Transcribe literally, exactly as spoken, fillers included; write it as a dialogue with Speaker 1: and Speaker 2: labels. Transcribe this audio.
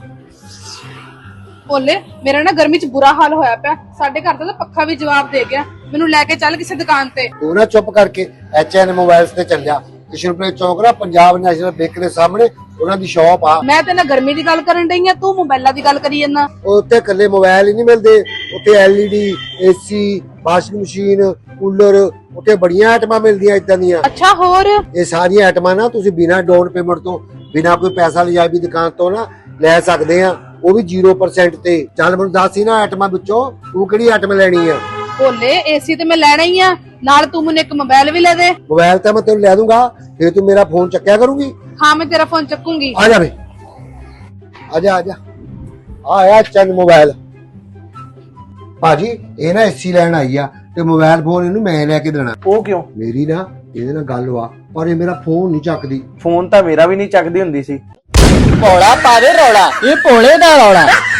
Speaker 1: ਭੋਲੇ ਮੇਰਾ ਨਾ ਗਰਮੀ ਚ ਬੁਰਾ ਹਾਲ ਹੋਇਆ ਪਿਆ। ਸਾਡੇ ਘਰ ਦਾ ਤਾਂ ਪੱਖਾ ਵੀ ਜਵਾਬ ਦੇ ਗਿਆ। ਮੈਨੂੰ ਲੈ ਕੇ ਚੱਲ ਕਿਸੇ ਦੁਕਾਨ ਤੇ।
Speaker 2: ਤੂੰ ਨਾ ਚੁੱਪ ਕਰਕੇ ਐਚ ਐਨ ਮੋਬਾਈਲਸ ਤੇ ਚੱਲ ਜਾ। ਕਿਸ਼ਨਪੁਰੇ ਚੌਂਕ ਨਾ ਪੰਜਾਬ ਨੈਸ਼ਨਲ ਬੈਂਕ ਦੇ ਸਾਹਮਣੇ ਉਹਨਾਂ ਦੀ ਸ਼ਾਪ ਆ।
Speaker 1: ਮੈਂ ਤੇ ਨਾ ਗਰਮੀ ਦੀ ਗੱਲ ਕਰਨ ਡਈ ਆ, ਤੂੰ ਮੋਬਾਈਲਾਂ ਦੀ ਗੱਲ ਕਰੀ ਜਾਂਦਾ।
Speaker 2: ਉੱਥੇ ਇਕੱਲੇ ਮੋਬਾਈਲ ਹੀ ਨਹੀਂ ਮਿਲਦੇ, ਉੱਥੇ L E D, AC, washing machine, cooler, ਉੱਥੇ ਬੜੀਆਂ ਆਈਟਮਾਂ ਮਿਲਦੀਆਂ ਇਦਾਂ ਦੀਆਂ।
Speaker 1: ਅੱਛਾ ਹੋਰ?
Speaker 2: ਇਹ ਸਾਰੀਆਂ ਆਈਟਮਾਂ ਨਾ ਤੁਸੀਂ ਬਿਨਾਂ ਡਾਊਨ ਪੇਮੈਂਟ ਤੋਂ, ਬਿਨਾਂ ਕੋਈ ਪੈਸਾ ਲਿਜਾਏ ਵੀ ਦੁਕਾਨ ਤੋਂ ਨਾ ਲੈ ਸਕਦੇ ਆ, ਉਹ ਵੀ ਜ਼ੀਰੋ ਪਰਸੈਂਟ ਤੇ। ਚੱਲ ਮੈਨੂੰ ਦੱਸ ਹੀ ਨਾ ਆਈਟਮਾਂ ਵਿੱਚੋਂ ਤੂੰ ਕਿਹੜੀ ਆਈਟਮ ਲੈਣੀ ਆ।
Speaker 1: ਭੋਲੇ ਏਸੀ ਤੇ ਮੈਂ ਲੈਣਾ ਹੀ ਆ, ਨਾਲ ਤੂੰ ਮੈਨੂੰ ਇੱਕ ਮੋਬਾਈਲ ਵੀ ਲੈ ਦੇ।
Speaker 2: ਮੋਬਾਈਲ ਤਾਂ ਮੈਂ ਤੈਨੂੰ ਲੈ ਦੂੰਗਾ, ਫਿਰ ਤੂੰ ਮੇਰਾ ਫੋਨ ਚੱਕਿਆ ਕਰੂਗੀ।
Speaker 1: ਹਾਂ ਮੈਂ ਤੇਰਾ ਫੋਨ ਚੱਕੂਗੀ।
Speaker 2: ਆ ਜਾ ਵੇ, ਆ ਜਾ ਆ ਜਾ। ਆ ਆਇਆ ਚੰਦ ਮੋਬਾਈਲ। ਭਾਜੀ ਇਹ ਨਾ ਏਸੀ ਲੈਣ ਆਈ ਆ ਤੇ ਮੋਬਾਈਲ ਫੋਨ ਇਹਨੂੰ ਮੈਂ ਲੈ ਕੇ ਦੇਣਾ।
Speaker 3: ਉਹ ਕਿਉਂ?
Speaker 2: ਮੇਰੀ ਨਾ ਇਹਦੇ ਨਾਲ ਗੱਲ ਵਾ, ਪਰ ਇਹ ਮੇਰਾ ਫੋਨ ਨਹੀਂ ਚੱਕਦੀ।
Speaker 3: ਫੋਨ ਤਾਂ ਮੇਰਾ ਵੀ ਨਹੀਂ ਚੱਕਦੀ ਹੁੰਦੀ ਸੀ।
Speaker 4: ਭੋਲਾ ਪਾਵੇ ਰੌਲਾ, ਇਹ ਭੋਲੇ ਦਾ ਰੌਲਾ।